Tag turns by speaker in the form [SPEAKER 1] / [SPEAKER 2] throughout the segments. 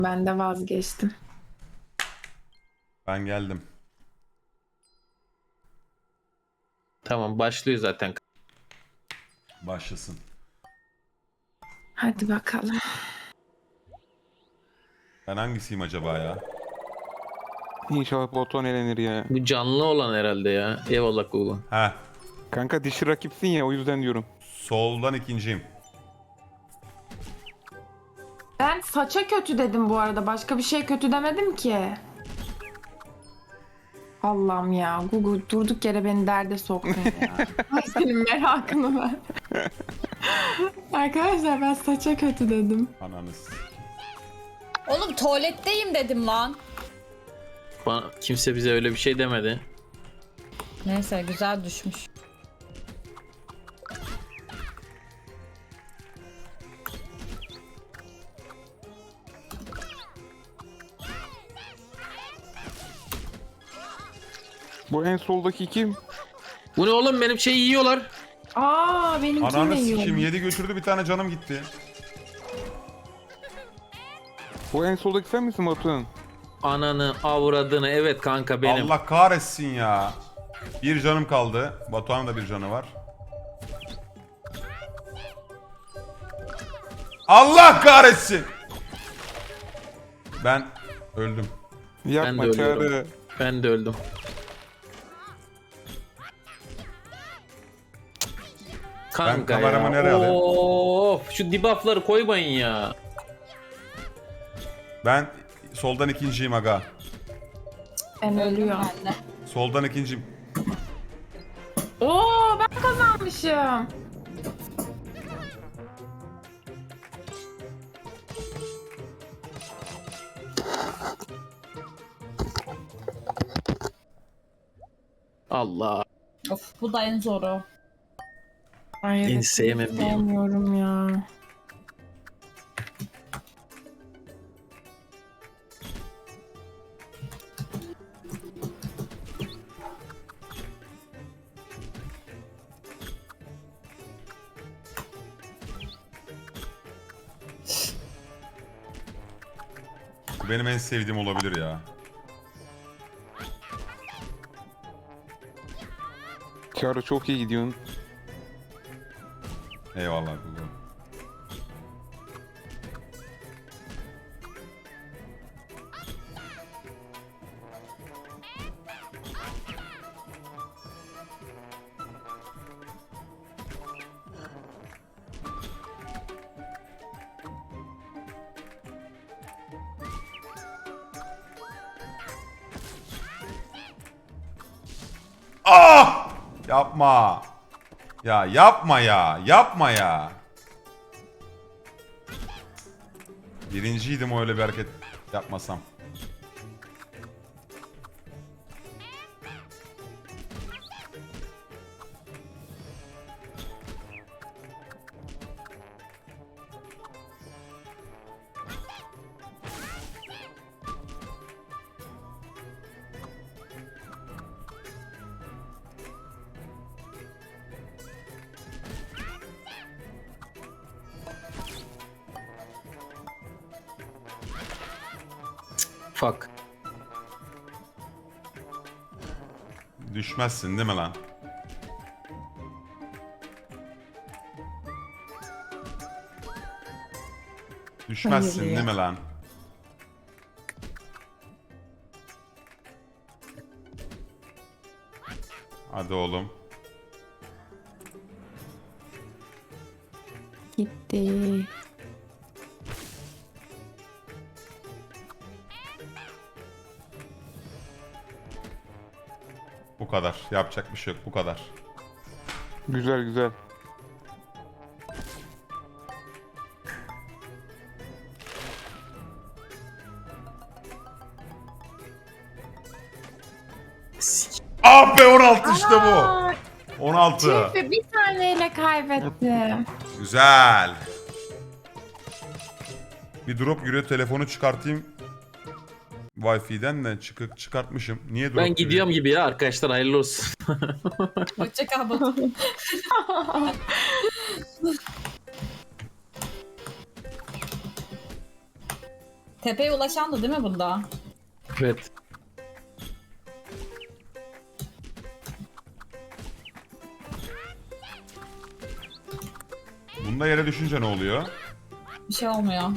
[SPEAKER 1] Ben de vazgeçtim.
[SPEAKER 2] Ben geldim.
[SPEAKER 3] Tamam başlıyor zaten.
[SPEAKER 2] Başlasın.
[SPEAKER 1] Hadi bakalım.
[SPEAKER 2] Ben hangisiyim acaba ya?
[SPEAKER 4] İnşallah Batuhan elenir ya.
[SPEAKER 3] Bu canlı olan herhalde ya. Eyvallah Google.
[SPEAKER 2] Heh.
[SPEAKER 4] Kanka dişi rakipsin ya, o yüzden diyorum.
[SPEAKER 2] Soldan ikinciyim.
[SPEAKER 1] Ben saça kötü dedim bu arada. Başka bir şey kötü demedim ki. Allah'ım ya. Google durduk yere beni derde soktun ya. Ay senin merakını ver. Arkadaşlar ben saça kötü dedim.
[SPEAKER 2] Ananız.
[SPEAKER 5] Oğlum tuvaletteyim dedim lan.
[SPEAKER 3] Kimse bize öyle bir şey demedi.
[SPEAKER 5] Neyse güzel düşmüş.
[SPEAKER 4] Bu en soldaki kim?
[SPEAKER 3] Bu ne oğlum, benim şeyi yiyorlar.
[SPEAKER 1] Aa benimki
[SPEAKER 2] Ananı
[SPEAKER 1] ne yiyor?
[SPEAKER 2] sikim yedi götürdü, bir tane canım gitti.
[SPEAKER 4] Bu en soldaki sen misin Batuhan?
[SPEAKER 3] Ananı avradını, evet kanka benim.
[SPEAKER 2] Allah kahretsin ya. Bir canım kaldı. Batuhan'ın da bir canı var. Allah kahretsin. Ben öldüm.
[SPEAKER 4] Yapma
[SPEAKER 3] de
[SPEAKER 4] Çağrı.
[SPEAKER 3] ölüyorum. Ben de öldüm. Kanka
[SPEAKER 2] kameramı
[SPEAKER 3] ya.
[SPEAKER 2] nereye alayım?
[SPEAKER 3] Of, şu debuffları koymayın ya.
[SPEAKER 2] Ben soldan ikinciyim aga.
[SPEAKER 1] Ben ölüyorum.
[SPEAKER 5] Ben de.
[SPEAKER 2] Soldan ikinciyim.
[SPEAKER 1] Oo ben kazanmışım.
[SPEAKER 3] Allah.
[SPEAKER 5] Of bu da en zoru.
[SPEAKER 1] Ay,
[SPEAKER 3] En
[SPEAKER 1] evet,
[SPEAKER 3] sevmediğim.
[SPEAKER 1] sevmiyorum ya.
[SPEAKER 2] Bu benim en sevdiğim olabilir ya.
[SPEAKER 4] Çağrı çok iyi gidiyorsun.
[SPEAKER 2] Eyvallah Google. Ah! Yapma. Ya yapma ya. Yapma ya. Birinciydim, öyle bir hareket yapmasam.
[SPEAKER 3] Fuck.
[SPEAKER 2] Düşmezsin değil mi lan? Düşmezsin
[SPEAKER 1] Hayır ya.
[SPEAKER 2] değil mi lan? Hadi oğlum.
[SPEAKER 1] Gitti.
[SPEAKER 2] Bu kadar. Yapacak bir şey yok. Bu kadar.
[SPEAKER 4] Güzel güzel.
[SPEAKER 2] Ah be, 16 işte bu.
[SPEAKER 1] Aa,
[SPEAKER 2] 16.
[SPEAKER 1] tüh, bir taneyle kaybettim.
[SPEAKER 2] Güzel. Bir drop yürüyor, telefonu çıkartayım. Wi-Fi'den de çıkartmışım. Niye drop
[SPEAKER 3] Ben
[SPEAKER 2] yürüyor?
[SPEAKER 3] gidiyorum gibi ya arkadaşlar, hayırlı olsun.
[SPEAKER 5] Hoşça kal Batu. Tepeye ulaşan da değil mi bunda?
[SPEAKER 3] Evet.
[SPEAKER 2] Bunda yere düşünce ne oluyor?
[SPEAKER 5] Bir şey olmuyor.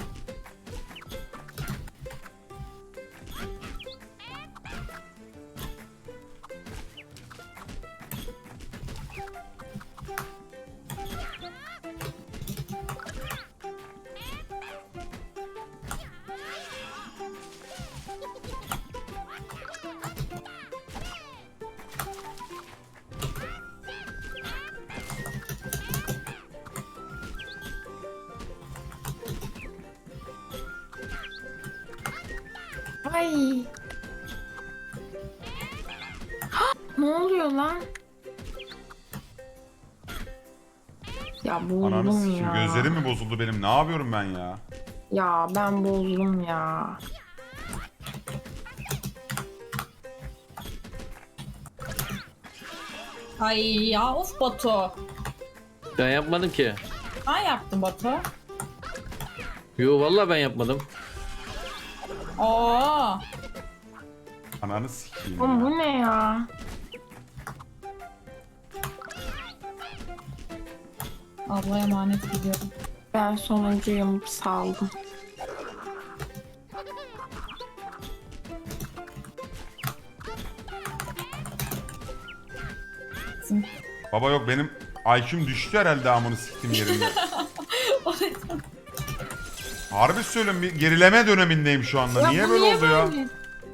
[SPEAKER 1] Ay. Ne oluyor lan? Ya
[SPEAKER 2] Ananı
[SPEAKER 1] bozdum
[SPEAKER 2] sikeyim.
[SPEAKER 1] ya.
[SPEAKER 2] Gözlerim mi bozuldu benim? Ne yapıyorum ben ya?
[SPEAKER 1] Ya ben bozdum ya.
[SPEAKER 5] Ay ya of Batu.
[SPEAKER 3] Ben yapmadım ki.
[SPEAKER 5] Ben yaptım Batu.
[SPEAKER 3] Yo vallahi ben yapmadım.
[SPEAKER 5] Oo.
[SPEAKER 2] Ananı sikeyim
[SPEAKER 1] Oğlum
[SPEAKER 2] ya.
[SPEAKER 1] bu ne ya?
[SPEAKER 5] Allah'a emanet gidiyorum.
[SPEAKER 1] Ben sonuncuyum, saldım.
[SPEAKER 2] Baba yok benim IQ'm düştü herhalde amını siktim yerinde. Harbi söylüyorum bir gerileme dönemindeyim şu anda. Niye
[SPEAKER 1] bu
[SPEAKER 2] böyle oldu ya?
[SPEAKER 1] böyle?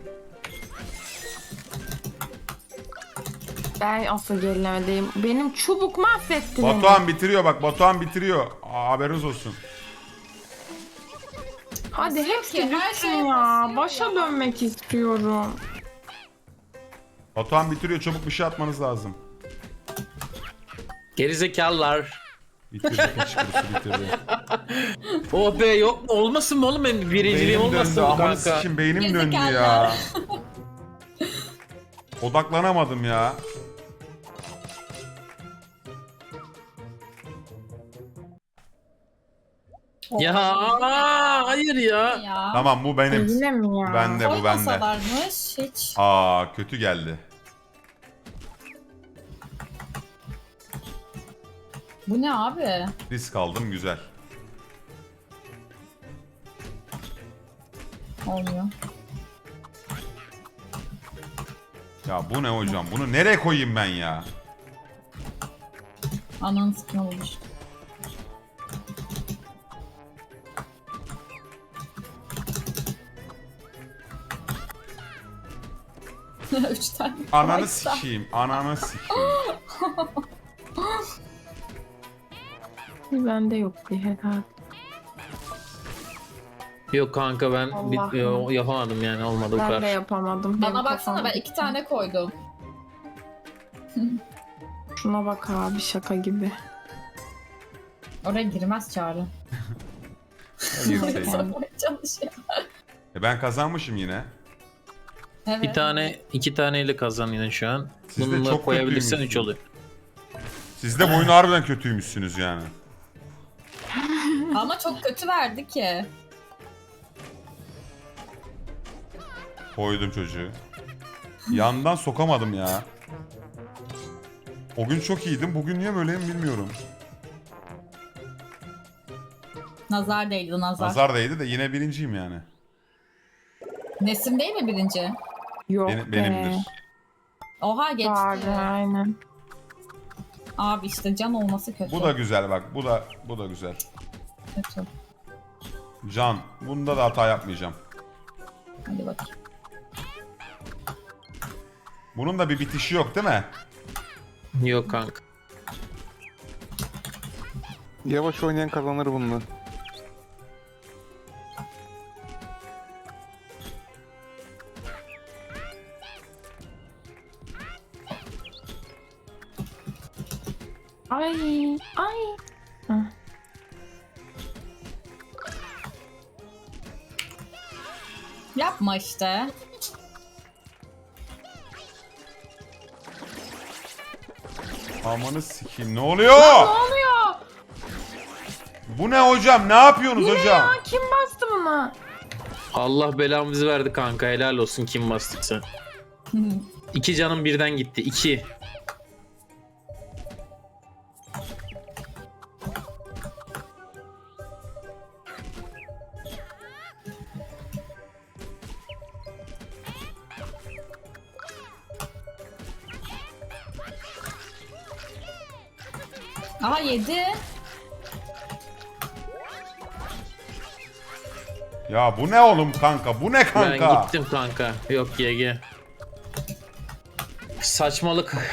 [SPEAKER 1] Ben asıl gerilemedeyim. Benim çubuk mahvetti beni.
[SPEAKER 2] Batuhan bitiriyor bak Batuhan bitiriyor. Haberiniz olsun.
[SPEAKER 1] Hadi hepsi
[SPEAKER 5] ki, her
[SPEAKER 1] düşsün
[SPEAKER 5] şey
[SPEAKER 1] ya.
[SPEAKER 5] basıyor
[SPEAKER 1] Başa
[SPEAKER 5] ya.
[SPEAKER 1] dönmek istiyorum.
[SPEAKER 2] Batuhan bitiriyor çabuk bir şey atmanız lazım.
[SPEAKER 3] Gerizekalılar.
[SPEAKER 2] Bitirdi kıçkırısı bitirdi.
[SPEAKER 3] Oh be yok mu? Olmasın mı oğlum benim birinciliğim
[SPEAKER 2] Beynim
[SPEAKER 3] olmasın
[SPEAKER 2] döndü
[SPEAKER 3] mı
[SPEAKER 2] amanı
[SPEAKER 3] kanka?
[SPEAKER 2] sikim beynim döndü ya.
[SPEAKER 5] Gerizekalılar.
[SPEAKER 2] Odaklanamadım ya.
[SPEAKER 3] Ya hayır ya.
[SPEAKER 5] Ya.
[SPEAKER 2] Tamam bu benim.
[SPEAKER 1] Yine mi ya?
[SPEAKER 2] Bende bu bende.
[SPEAKER 5] Koymasalarmış hiç.
[SPEAKER 2] Aa kötü geldi.
[SPEAKER 5] Bu ne abi?
[SPEAKER 2] Risk aldım güzel.
[SPEAKER 5] Olmuyor.
[SPEAKER 2] Ya bu ne hocam? Bunu nereye koyayım ben ya?
[SPEAKER 5] Ananı sıkma olur. Üç tane.
[SPEAKER 2] Ananı
[SPEAKER 5] koysa.
[SPEAKER 2] sikeyim. Ananı sikeyim.
[SPEAKER 1] Bende yok bir herhalde.
[SPEAKER 3] Yok kanka ben
[SPEAKER 1] Allah'ım.
[SPEAKER 3] yapamadım yani olmadı bu
[SPEAKER 1] Ben de
[SPEAKER 3] kadar.
[SPEAKER 1] yapamadım.
[SPEAKER 5] Bana
[SPEAKER 1] Benim
[SPEAKER 5] baksana ben
[SPEAKER 1] kafam-
[SPEAKER 5] 2 tane koydum.
[SPEAKER 1] Şuna bak abi şaka gibi.
[SPEAKER 5] Oraya girmez Çağrı.
[SPEAKER 2] Girseydin.
[SPEAKER 5] Sapmaya çalışıyor.
[SPEAKER 2] Ben kazanmışım yine.
[SPEAKER 5] Evet.
[SPEAKER 3] Bir tane, iki taneyle kazanıyorsun şu an.
[SPEAKER 2] Siz de
[SPEAKER 3] Bununla
[SPEAKER 2] çok
[SPEAKER 3] koyabilirsen 3
[SPEAKER 2] kötüymüşsünüz.
[SPEAKER 3] oluyor.
[SPEAKER 2] Siz de bu oyunu harbiden kötüymüşsünüz yani.
[SPEAKER 5] Ama çok kötü verdi ki.
[SPEAKER 2] Koydum çocuğu. Yandan sokamadım ya. O gün çok iyiydim. Bugün niye böyleyim bilmiyorum.
[SPEAKER 5] Nazar değdi nazar.
[SPEAKER 2] Nazar değdi de yine birinciyim yani.
[SPEAKER 5] Nesim değil mi birinci?
[SPEAKER 1] Yok
[SPEAKER 2] Benimdir.
[SPEAKER 5] Oha geçti.
[SPEAKER 1] Vardı aynen.
[SPEAKER 5] Abi işte can olması kötü.
[SPEAKER 2] Bu da güzel bak. Bu da güzel.
[SPEAKER 5] kötü.
[SPEAKER 2] Can. Bunda da hata yapmayacağım.
[SPEAKER 5] Hadi bakayım.
[SPEAKER 2] Bunun da bir bitişi yok değil mi?
[SPEAKER 3] Yok kanka.
[SPEAKER 4] Yavaş oynayan kazanır bununla.
[SPEAKER 1] Ay ay. Hah.
[SPEAKER 5] Yapma işte.
[SPEAKER 2] Amanı sikeyim. Ne oluyor?
[SPEAKER 1] Ne oluyor?
[SPEAKER 2] Bu ne hocam? Ne yapıyorsunuz hocam?
[SPEAKER 1] Ya kim bastı buna?
[SPEAKER 3] Allah belamızı verdi kanka, helal olsun kim bastıksa. 2 canım birden gitti. 2.
[SPEAKER 5] Aa 7.
[SPEAKER 2] Ya bu ne oğlum kanka? Bu ne
[SPEAKER 3] Ben
[SPEAKER 2] kanka?
[SPEAKER 3] gittim kanka. Yok GG. Saçmalık.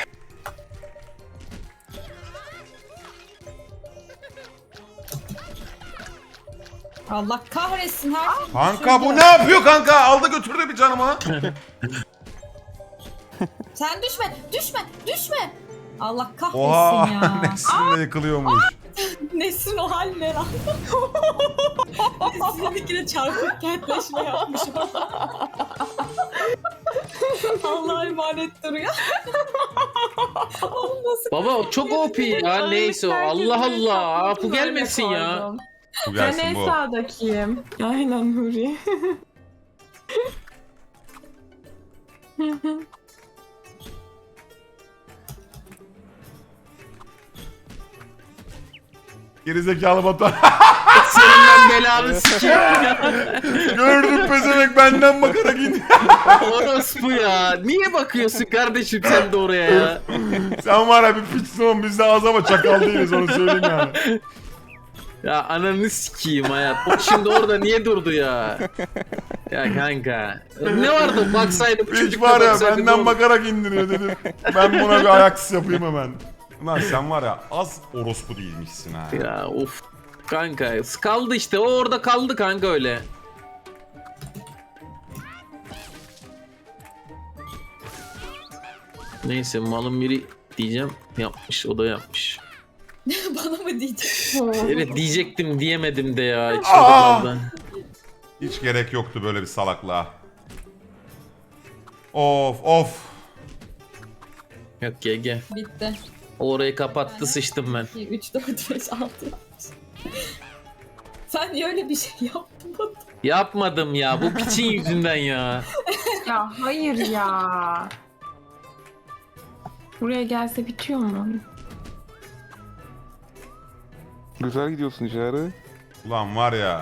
[SPEAKER 5] Allah kahretsin her şey.
[SPEAKER 2] Kanka bu ne yapıyor kanka? Aldı götürdü bir canımı.
[SPEAKER 5] Sen düşme, düşme, düşme. Allah kahretsin
[SPEAKER 2] Oha.
[SPEAKER 5] ya.
[SPEAKER 2] Nesrin de yıkılıyormuş.
[SPEAKER 5] Nesrin o hal ne lan? Nesrin'e bir kere çarpık kentleşme yapmış. Allah'a emanet duruyor. Olmasın.
[SPEAKER 3] Baba o çok OP ya, neyse o. Allah Allah. Bu gelmesin ya.
[SPEAKER 2] Bu
[SPEAKER 1] Ben
[SPEAKER 2] gelsin
[SPEAKER 1] en
[SPEAKER 2] bu.
[SPEAKER 1] sağdakiyim. Aynen Nuri.
[SPEAKER 2] Gerizekalı Batuhan.
[SPEAKER 3] Senin ben belanı sikeyim.
[SPEAKER 2] Gördüm pezevenk benden bakarak indi.
[SPEAKER 3] Orospu ya. Niye bakıyorsun kardeşim sen de oraya ya?
[SPEAKER 2] Sen var ya bir piçsin, biz de az ama çakal değiliz, onu söyleyeyim yani.
[SPEAKER 3] Ya ananı sikeyim hayat. O şimdi orada niye durdu ya? Ya kanka. Ne vardı baksaydı bu
[SPEAKER 2] Piç
[SPEAKER 3] çocuk
[SPEAKER 2] var
[SPEAKER 3] da
[SPEAKER 2] ya
[SPEAKER 3] baksaydı ne
[SPEAKER 2] benden
[SPEAKER 3] olur?
[SPEAKER 2] bakarak indiriyor dedim. Ben buna bir ayaksız yapayım hemen. Lan sen var ya az orospu değilmişsin ha.
[SPEAKER 3] Ya of. Kanka kaldı işte, o orada kaldı kanka öyle. Neyse malın biri diyeceğim, yapmış, o da yapmış.
[SPEAKER 5] Bana mı diyeceksin?
[SPEAKER 3] Evet diyecektim diyemedim de ya. Hiç
[SPEAKER 2] Aa!
[SPEAKER 3] kaldı.
[SPEAKER 2] Hiç gerek yoktu böyle bir salaklığa. Of of.
[SPEAKER 3] Yok GG.
[SPEAKER 5] Bitti.
[SPEAKER 3] O orayı kapattı, sıçtım ben.
[SPEAKER 5] 2, 3, 4, 5, 6. Sen niye öyle bir şey yaptın Batu?
[SPEAKER 3] Yapmadım ya, bu piçin yüzünden ya.
[SPEAKER 1] Ya hayır ya. Buraya gelse bitiyor mu?
[SPEAKER 4] Güzel gidiyorsun Çağrı.
[SPEAKER 2] Ulan var ya.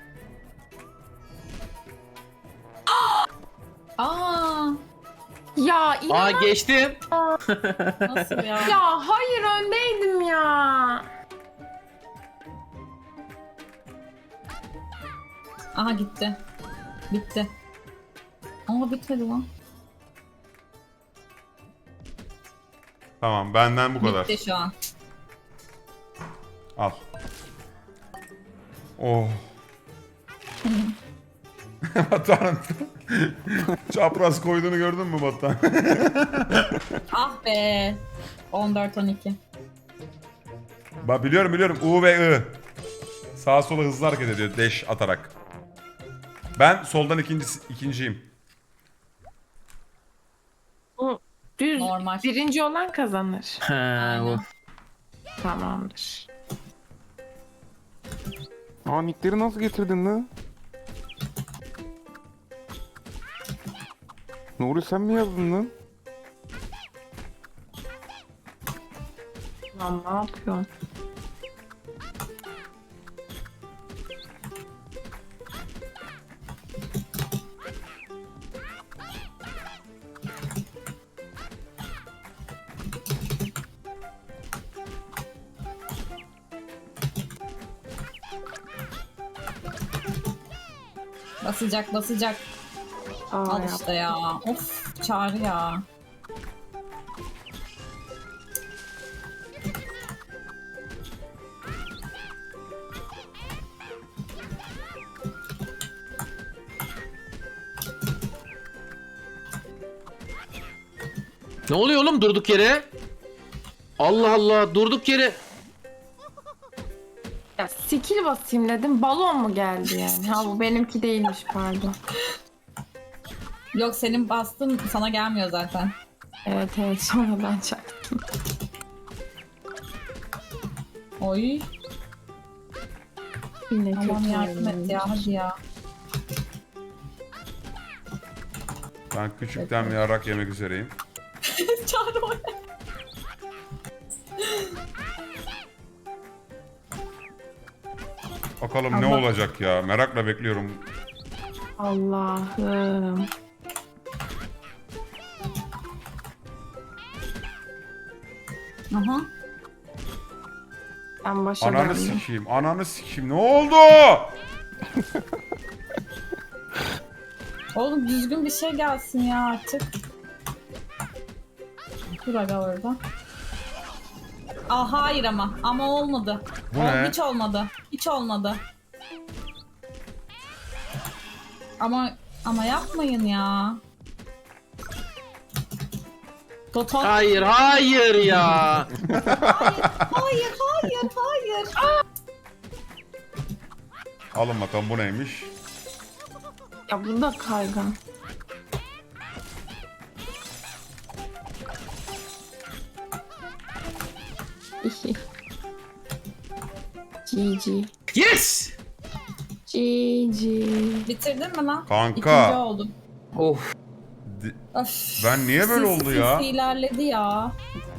[SPEAKER 5] Aa,
[SPEAKER 1] Ya inan
[SPEAKER 3] Aa geçtim.
[SPEAKER 5] nasıl ya?
[SPEAKER 1] ya hayır öndeydim ya.
[SPEAKER 5] Aha gitti. Bitti. Ama bitmedi lan.
[SPEAKER 2] Tamam benden bu kadar.
[SPEAKER 5] Bitti şu an.
[SPEAKER 2] Al. Oh. Batuhan. Çapraz koyduğunu gördün mü Batuhan?
[SPEAKER 5] Ah be. 14-12.
[SPEAKER 2] Bak biliyorum U ve I. Sağa sola hızlı hareket ediyor dash atarak. Ben soldan ikinciyim.
[SPEAKER 1] Bu düz
[SPEAKER 5] Normal.
[SPEAKER 1] birinci olan kazanır.
[SPEAKER 3] Ha, bu.
[SPEAKER 1] Tamamdır.
[SPEAKER 4] Aa nickleri nasıl getirdin lan? Nuri sen mi yazdın lan?
[SPEAKER 1] Lan ne yapıyorsun?
[SPEAKER 5] Basacak basacak.
[SPEAKER 1] Aa,
[SPEAKER 5] Al
[SPEAKER 1] yap.
[SPEAKER 5] işte ya. Of Çağrı ya.
[SPEAKER 3] Ne oluyor oğlum durduk yere? Allah Allah, durduk yere.
[SPEAKER 1] Ya skill basayım dedim. Balon mu geldi yani? Ha bu benimki değilmiş pardon.
[SPEAKER 5] Yok senin bastın sana gelmiyor zaten.
[SPEAKER 1] Evet evet sonradan çaktım.
[SPEAKER 5] Oy.
[SPEAKER 1] Yine
[SPEAKER 5] Tamam
[SPEAKER 1] kötü
[SPEAKER 5] yardım et
[SPEAKER 1] oynamış.
[SPEAKER 5] ya hadi ya.
[SPEAKER 2] Ben küçükten bir yarak yemek üzereyim.
[SPEAKER 5] Çağrı o.
[SPEAKER 2] Bakalım ne
[SPEAKER 1] Allah.
[SPEAKER 2] olacak ya. Merakla bekliyorum.
[SPEAKER 1] Allah'ım.
[SPEAKER 5] Aha.
[SPEAKER 1] Ben başa
[SPEAKER 2] Ananı
[SPEAKER 1] döndüm.
[SPEAKER 2] sikeyim. Ananı sikeyim. Ne oldu?
[SPEAKER 5] Oğlum düzgün bir şey gelsin ya artık. Dur aga orada. Aa hayır ama olmadı.
[SPEAKER 2] Bu ne?
[SPEAKER 5] Hiç olmadı. Hiç olmadı. Ama yapmayın ya. Toton.
[SPEAKER 3] Hayır hayır ya.
[SPEAKER 5] Hayır.
[SPEAKER 2] Alın bakalım bu neymiş?
[SPEAKER 1] Ya bu da kaygan. GG.
[SPEAKER 3] Yes.
[SPEAKER 1] GG.
[SPEAKER 5] Bitirdin mi lan?
[SPEAKER 2] Kanka.
[SPEAKER 5] İkinci oldum.
[SPEAKER 3] Of.
[SPEAKER 5] Öf.
[SPEAKER 2] Ben niye böyle oldu ya?
[SPEAKER 5] ilerledi ya.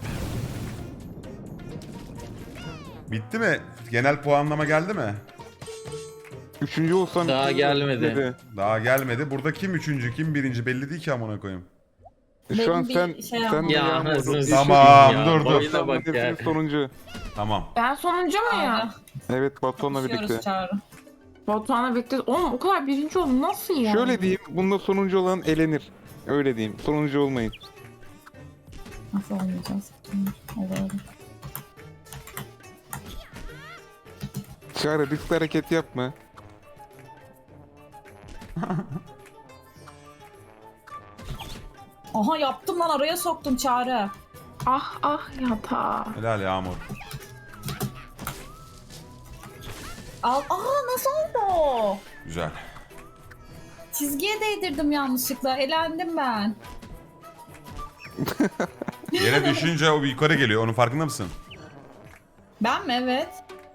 [SPEAKER 2] Bitti mi? Genel puanlama geldi mi?
[SPEAKER 4] Üçüncü olsam...
[SPEAKER 3] Daha gelmedi.
[SPEAKER 2] Daha gelmedi. Burada kim üçüncü, kim birinci belli değil ki amına koyayım.
[SPEAKER 4] Şu an
[SPEAKER 5] Benim bir
[SPEAKER 4] sen...
[SPEAKER 5] şey
[SPEAKER 4] sen
[SPEAKER 3] Ya
[SPEAKER 4] Yağmur,
[SPEAKER 3] anasını
[SPEAKER 4] Yeşil-
[SPEAKER 2] Tamam,
[SPEAKER 3] ya.
[SPEAKER 2] dur, dur.
[SPEAKER 3] Boyuna bak ya.
[SPEAKER 4] Hepsinin sonuncu.
[SPEAKER 2] Tamam.
[SPEAKER 1] Ben sonuncu muyum?
[SPEAKER 4] Evet, Batuhan'la
[SPEAKER 5] Konuşuyoruz
[SPEAKER 4] birlikte.
[SPEAKER 5] Çağrı.
[SPEAKER 1] Batuhan'la birlikte. Oğlum o kadar birinci oldum. Nasıl ya?
[SPEAKER 4] Şöyle diyeyim, bunda sonuncu olan elenir. Öyle diyeyim, sonuncu olmayın.
[SPEAKER 5] Nasıl olmayacağız? Olur.
[SPEAKER 4] Çağrı, riskli hareket yapma.
[SPEAKER 5] Aha yaptım lan, araya soktum Çağrı.
[SPEAKER 1] Ah yatağa.
[SPEAKER 2] Helal Yağmur.
[SPEAKER 5] Al. Aa nasıl oldu?
[SPEAKER 2] Güzel.
[SPEAKER 5] Çizgiye değdirdim yanlışlıkla. Elendim ben.
[SPEAKER 2] Yere düşünce o bir yukarı geliyor. Onun farkında mısın?
[SPEAKER 5] Ben mi? Evet.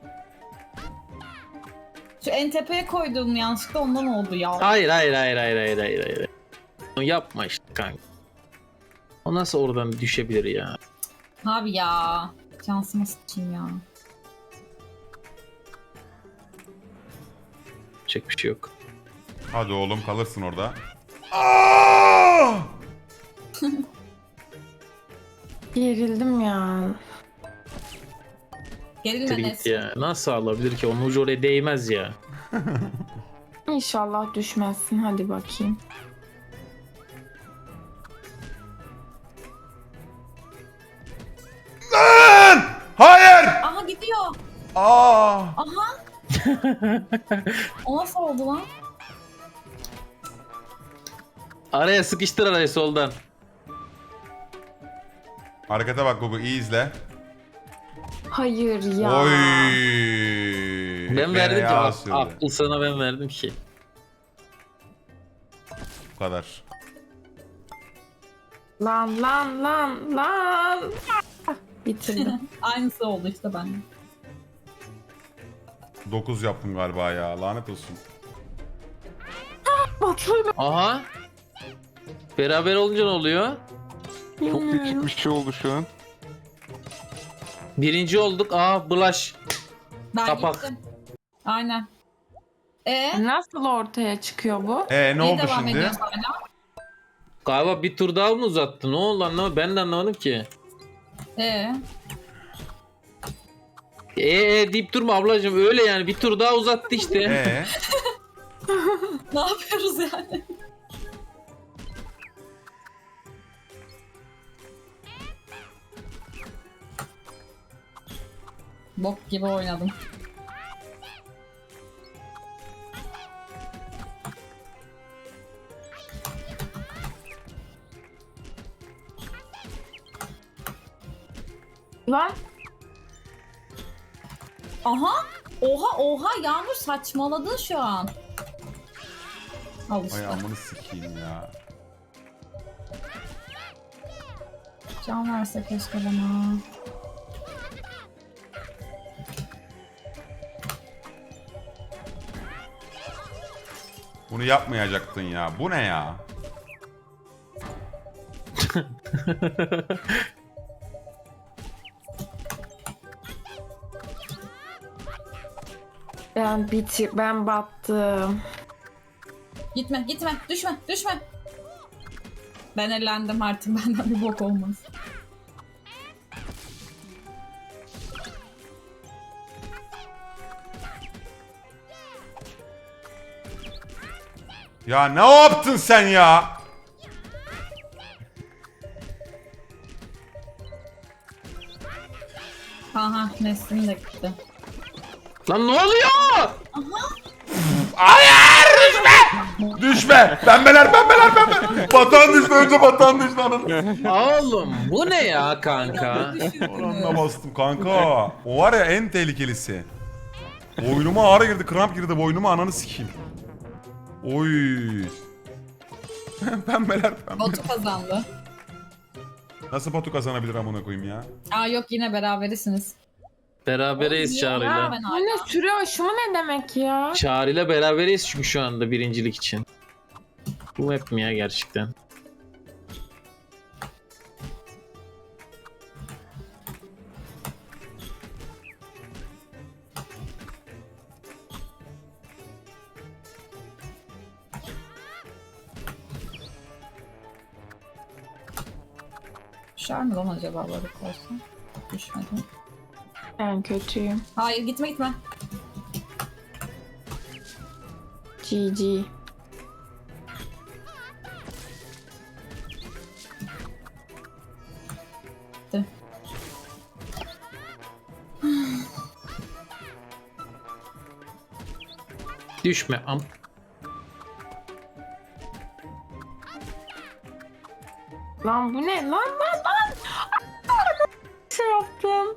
[SPEAKER 5] Şu en tepeye koyduğum yanlışlıkla ondan oldu ya.
[SPEAKER 3] Hayır. Onu yapma işte kanka. O nasıl oradan düşebilir ya?
[SPEAKER 5] Abi ya. Şansıma sıçayım ya.
[SPEAKER 3] Çek bir şey yok.
[SPEAKER 2] Hadi oğlum kalırsın orada. Aa!
[SPEAKER 1] Gerildim ya.
[SPEAKER 5] Gerilme
[SPEAKER 3] Git
[SPEAKER 5] Nesrin.
[SPEAKER 3] ya. Nasıl alabilir ki? Onun ucu oraya değmez ya.
[SPEAKER 1] İnşallah düşmezsin. Hadi bakayım.
[SPEAKER 2] Lan! Hayır!
[SPEAKER 5] Aha gidiyor.
[SPEAKER 2] Aa!
[SPEAKER 5] Aha. O nasıl oldu lan?
[SPEAKER 3] Araya sıkıştır arayı soldan.
[SPEAKER 2] Harekete bak Gugu, iyi izle.
[SPEAKER 1] Hayır ya.
[SPEAKER 2] Oy!
[SPEAKER 3] Ben verdim ki
[SPEAKER 2] Fena sürdü.
[SPEAKER 3] akıl sana ben verdim ki.
[SPEAKER 2] Bu kadar.
[SPEAKER 1] Lan. Ah, bitirdim.
[SPEAKER 5] Aynısı oldu işte bende.
[SPEAKER 2] 9 yaptım galiba ya. Lanet olsun.
[SPEAKER 1] Batu'yla
[SPEAKER 3] Aha. Beraber olunca ne oluyor?
[SPEAKER 4] Çok
[SPEAKER 1] bilmiyorum.
[SPEAKER 4] küçük bir şey oldu şu an.
[SPEAKER 3] Birinci olduk. Aa bulaş.
[SPEAKER 5] Ben
[SPEAKER 3] Kapak.
[SPEAKER 5] gittim. Aynen.
[SPEAKER 1] Nasıl ortaya çıkıyor bu?
[SPEAKER 2] Ne
[SPEAKER 5] Niye
[SPEAKER 2] oldu
[SPEAKER 5] devam
[SPEAKER 2] şimdi?
[SPEAKER 5] ediyoruz hala?
[SPEAKER 3] Galiba bir tur daha mı uzattı? Ne oldu anlamadım. Ben de anlamadım ki. Deyip durma ablacığım öyle yani bir tur daha uzattı işte.
[SPEAKER 5] Ne yapıyoruz yani? Bok gibi oynadım.
[SPEAKER 1] Lan
[SPEAKER 5] Aha! Oha Yağmur saçmaladın şu an. Al işte.
[SPEAKER 2] Ay amını sikeyim ya.
[SPEAKER 5] Can verse keşke bana.
[SPEAKER 2] Bunu yapmayacaktın ya. Bu ne ya?
[SPEAKER 1] Ben battım.
[SPEAKER 5] Gitme gitme düşme düşme. Ben elendim artık benden bir bok olmaz.
[SPEAKER 2] Ya ne yaptın sen ya?
[SPEAKER 5] Aha Nesrin de gitti.
[SPEAKER 3] Lan ne oluyor?
[SPEAKER 2] Hayır düşme! Düşme! Pembeler. Batuhan düştü önce Batuhan düştü ananı.
[SPEAKER 3] Oğlum bu ne ya kanka?
[SPEAKER 2] Oranına bastım kanka. O var ya en tehlikelisi. Boynuma ağrı girdi, kramp girdi boynuma ananı sikeyim. Oy. Pembeler.
[SPEAKER 5] Botu kazandı.
[SPEAKER 2] Nasıl Batu kazanabilir amına koyayım ya?
[SPEAKER 5] Aa yok yine beraberisiniz.
[SPEAKER 3] Berabereyiz
[SPEAKER 5] Ya
[SPEAKER 3] Çağrı'yla.
[SPEAKER 5] ben
[SPEAKER 1] Bu
[SPEAKER 5] hala.
[SPEAKER 1] ne süre aşımı ne demek ya?
[SPEAKER 3] Çağrı'yla beraberiz çünkü şu anda birincilik için. Bu map mi ya gerçekten?
[SPEAKER 5] Düşer mi lan acaba balık olsa? Düşmedi.
[SPEAKER 1] Ben kötüyüm.
[SPEAKER 5] Hayır gitme gitme.
[SPEAKER 1] GG.
[SPEAKER 5] Gitti.
[SPEAKER 3] Düşme am.
[SPEAKER 1] Lan bu ne? Lan. Şey yaptım.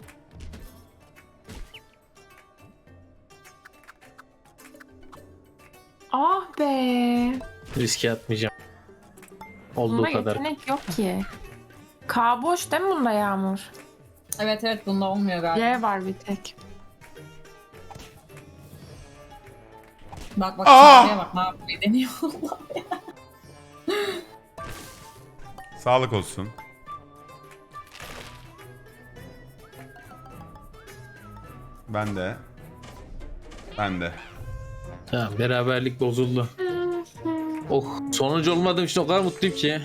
[SPEAKER 1] Ah be.
[SPEAKER 3] Riske atmayacağım. Olduğu
[SPEAKER 1] Bunda
[SPEAKER 3] kadar.
[SPEAKER 1] yetenek yok ki. K boş değil mi bunda Yağmur?
[SPEAKER 5] Evet bunda olmuyor galiba.
[SPEAKER 1] Y var bir tek.
[SPEAKER 5] Bak bak
[SPEAKER 2] Aa!
[SPEAKER 5] Çağrı'ya bak ne yapmayı deniyor.
[SPEAKER 2] Sağlık olsun. Ben de.
[SPEAKER 3] Tamam beraberlik bozuldu. Oh sonuncu olmadığım için o kadar mutluyum ki.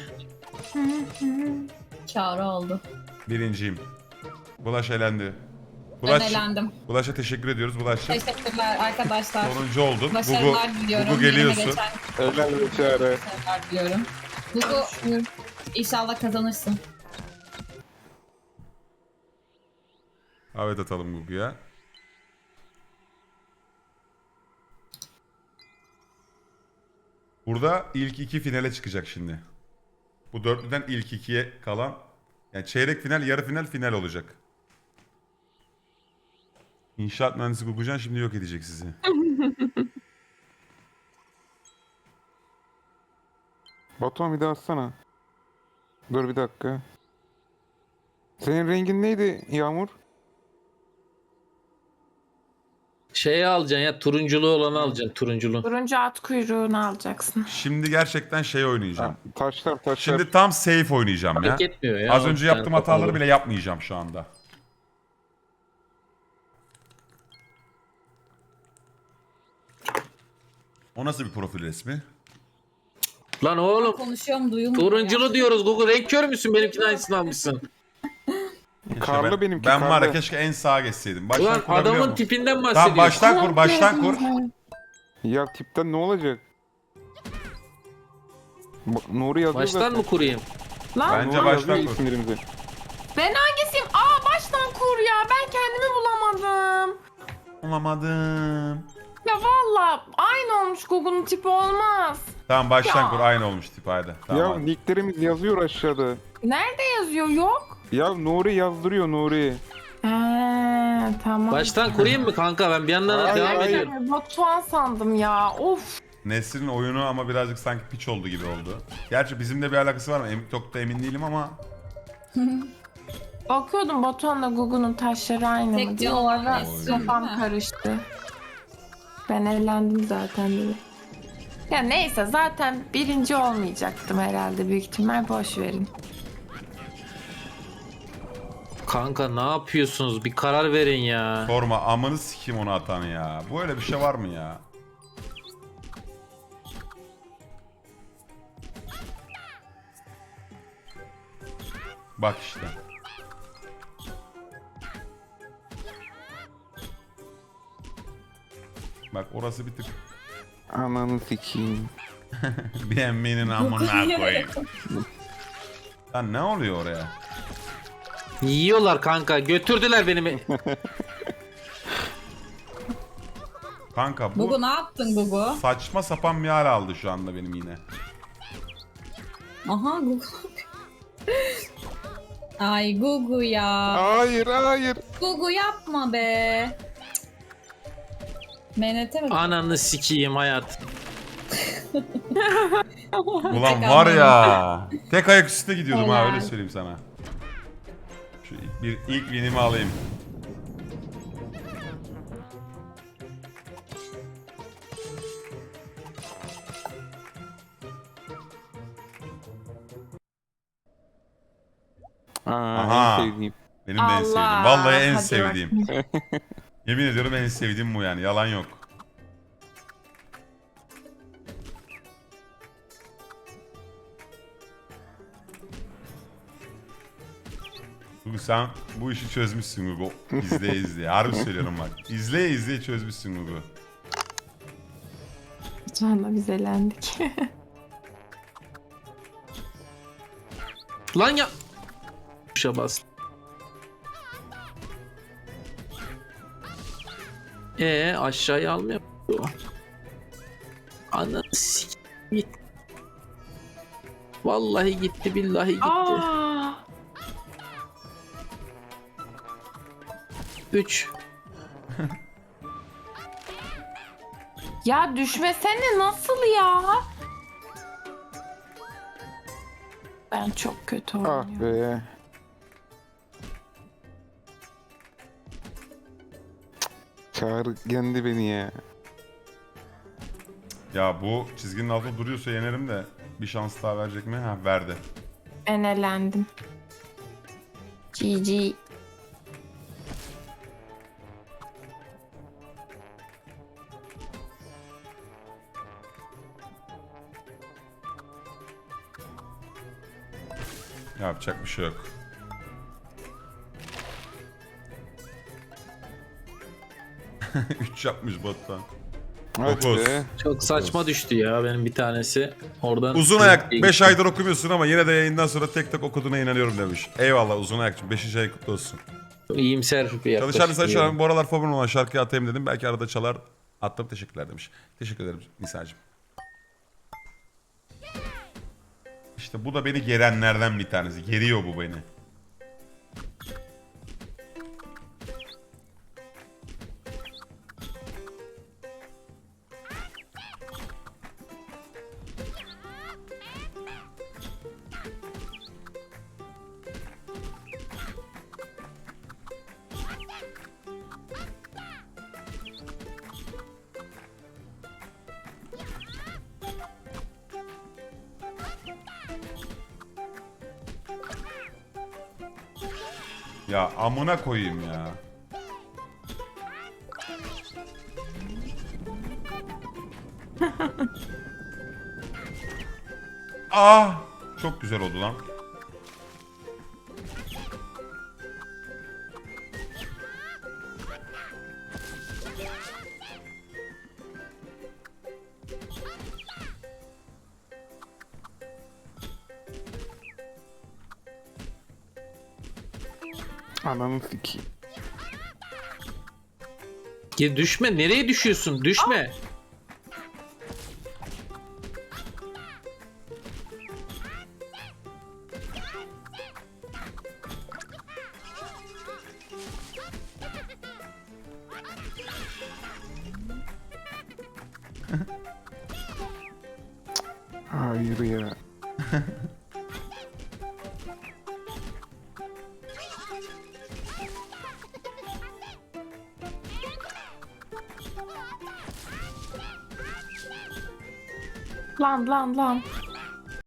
[SPEAKER 5] Çağrı oldu.
[SPEAKER 2] Birinciyim. Bulaş elendi.
[SPEAKER 5] Ben elendim.
[SPEAKER 2] Bulaş'a teşekkür ediyoruz. Bulaş'cığım.
[SPEAKER 5] Teşekkürler arkadaşlar.
[SPEAKER 2] Sonuncu oldun.
[SPEAKER 5] Başarılar diliyorum.
[SPEAKER 2] Gugu
[SPEAKER 5] Yerine
[SPEAKER 2] geliyorsun.
[SPEAKER 5] geçen
[SPEAKER 4] Helal be Çağrı.
[SPEAKER 5] başarılar diliyorum. Gugu inşallah kazanırsın.
[SPEAKER 2] Evet atalım Gugu'ya. Burada ilk iki finale çıkacak şimdi. Bu dörtlüden ilk ikiye kalan. Yani çeyrek final, yarı final, final olacak. İnşaat mühendisi Gugucan şimdi yok edecek sizi.
[SPEAKER 4] Batuhan bir daha atsana. Dur bir dakika. Senin rengin neydi Yağmur?
[SPEAKER 3] Şeyi alacaksın ya turunculu olanı alacaksın turunculu.
[SPEAKER 1] Turuncu at kuyruğunu alacaksın.
[SPEAKER 2] Şimdi gerçekten şey oynayacağım.
[SPEAKER 4] Ha, taşlar.
[SPEAKER 2] Şimdi tam safe oynayacağım ya.
[SPEAKER 3] Fark etmiyor ya.
[SPEAKER 2] Az önce
[SPEAKER 3] Yani
[SPEAKER 2] yaptığım hataları
[SPEAKER 3] kapalı.
[SPEAKER 2] bile yapmayacağım şu anda. O nasıl bir profil resmi?
[SPEAKER 3] Lan oğlum
[SPEAKER 5] Konuşuyorum duyulmuyor.
[SPEAKER 3] turunculu diyoruz Google renk kör müsün benimkinin aynısını almışsın.
[SPEAKER 4] Karlı benimki.
[SPEAKER 2] Ben var ya
[SPEAKER 4] karlı.
[SPEAKER 2] keşke en sağa geçseydim. Baştan
[SPEAKER 3] Ulan
[SPEAKER 2] kurabiliyor
[SPEAKER 3] adamın
[SPEAKER 2] mu?
[SPEAKER 3] tipinden
[SPEAKER 2] Tamam
[SPEAKER 3] bahsediyorsun.
[SPEAKER 2] baştan kur.
[SPEAKER 4] Ya tipten ne olacak? Nuri yazıyor
[SPEAKER 3] Baştan
[SPEAKER 4] zaten.
[SPEAKER 3] mı kurayım?
[SPEAKER 1] Lan
[SPEAKER 2] Bence
[SPEAKER 4] Nuri
[SPEAKER 2] baştan
[SPEAKER 4] yazıyor
[SPEAKER 2] kur.
[SPEAKER 4] isimlerimizi.
[SPEAKER 1] ben hangisiyim? Baştan kur ya. Ben kendimi bulamadım.
[SPEAKER 2] Olamadım.
[SPEAKER 1] Ya valla aynı olmuş Google'un tipi olmaz.
[SPEAKER 2] Tamam baştan
[SPEAKER 1] Ya.
[SPEAKER 2] kur aynı olmuş tip hadi. Tamam.
[SPEAKER 4] Ya
[SPEAKER 2] hadi.
[SPEAKER 4] nicklerimiz yazıyor aşağıda.
[SPEAKER 1] Nerede yazıyor? Yok.
[SPEAKER 4] Ya Nuri yazdırıyor Nuri.
[SPEAKER 1] Tamam.
[SPEAKER 3] Baştan kurayım mı kanka ben bir yandan da
[SPEAKER 4] Hayır,
[SPEAKER 3] devam
[SPEAKER 4] hayır.
[SPEAKER 3] ediyorum.
[SPEAKER 1] Batuhan sandım ya. Of.
[SPEAKER 2] Nesrin oyunu ama birazcık sanki piç oldu gibi oldu. Gerçi bizimle bir alakası var mı? Çok da emin değilim ama.
[SPEAKER 1] Bakıyordum Batuhan'la Google'un taşları aynı
[SPEAKER 5] Tek
[SPEAKER 1] mı diye.
[SPEAKER 5] diyor,
[SPEAKER 1] O ara
[SPEAKER 5] Nesrin,
[SPEAKER 1] kafam
[SPEAKER 5] değil mi?
[SPEAKER 1] karıştı. Ben eğlendim zaten dedi. Ya neyse zaten birinci olmayacaktım herhalde büyük ihtimal boş verin.
[SPEAKER 3] Kanka ne yapıyorsunuz? Bir karar verin ya.
[SPEAKER 2] Sorma, amını sikeyim onu atan ya. Bu öyle bir şey var mı ya? Bak işte. Bak orası bir tık
[SPEAKER 4] Ananı sikeyim.
[SPEAKER 2] beğenmenin amına koyayım. Lan ne oluyor oraya?
[SPEAKER 3] Yiyorlar kanka. Götürdüler beni.
[SPEAKER 2] Kanka bu
[SPEAKER 5] Gugu ne yaptın Gugu?
[SPEAKER 2] saçma sapan bir hal aldı şu anda benim yine.
[SPEAKER 5] Aha Gugu. Ay Gugu ya.
[SPEAKER 4] Hayır hayır.
[SPEAKER 5] Gugu yapma be. Menete mi?
[SPEAKER 3] Ananı sikeyim hayat.
[SPEAKER 2] Ulan var ya. Tek ayak üstüne gidiyordum ha,
[SPEAKER 5] Helal.
[SPEAKER 2] öyle söyleyeyim sana. Şu ilk winimi alayım. Aha.
[SPEAKER 4] En sevdiğim.
[SPEAKER 2] Benim de en sevdiğim.
[SPEAKER 1] Allah,
[SPEAKER 2] Vallahi en
[SPEAKER 1] hadi
[SPEAKER 2] sevdiğim. Yemin ediyorum en sevdiğim bu yani. Yalan yok. Gugu sen bu işi çözmüşsün Gugu. İzleye izleye. Harbi söylüyorum bak. İzleye izleye çözmüşsün Gugu.
[SPEAKER 1] Şu anda biz elendik.
[SPEAKER 3] Lan ya. Tuşa bas. Aşağıya almıyor. Ananı sikeyim. Git. Vallahi gitti billahi gitti.
[SPEAKER 1] Aa,
[SPEAKER 3] 3.
[SPEAKER 1] ya düşmesene, nasıl ya? Ben çok kötü
[SPEAKER 4] Ah
[SPEAKER 1] oynuyorum.
[SPEAKER 4] be. Çağrı yendi beni ya.
[SPEAKER 2] Ya bu çizginin altında duruyorsa yenerim de bir şans daha verecek mi? Ha, verdi.
[SPEAKER 1] Ben elendim. GG.
[SPEAKER 2] Yapacak bir şey yok. Üç yapmış bottan.
[SPEAKER 4] Hadi
[SPEAKER 2] Dokuz.
[SPEAKER 4] be.
[SPEAKER 3] Çok saçma düştü ya benim bir tanesi. Oradan
[SPEAKER 2] Uzun ayak 5 aydır okumuyorsun ama yine de yayından sonra tek tek okuduğuna inanıyorum demiş. Eyvallah uzun ayakçım. 5. ay kutlu olsun.
[SPEAKER 3] İyimser bir yaklaşım.
[SPEAKER 2] Çalışan Nisa şu an bu aralar favorim olan şarkıyı atayım dedim. Belki arada çalar. Attım, teşekkürler demiş. Teşekkür ederim Nisa'cığım. İşte bu da beni gerenlerden bir tanesi. Geriyor bu beni. Ya amına koyayım ya. Ah! Çok güzel oldu lan.
[SPEAKER 4] Ananı sikeyim.
[SPEAKER 3] Ya düşme, nereye düşüyorsun? Düşme.
[SPEAKER 4] Hayır ya.
[SPEAKER 1] Lan lan lan.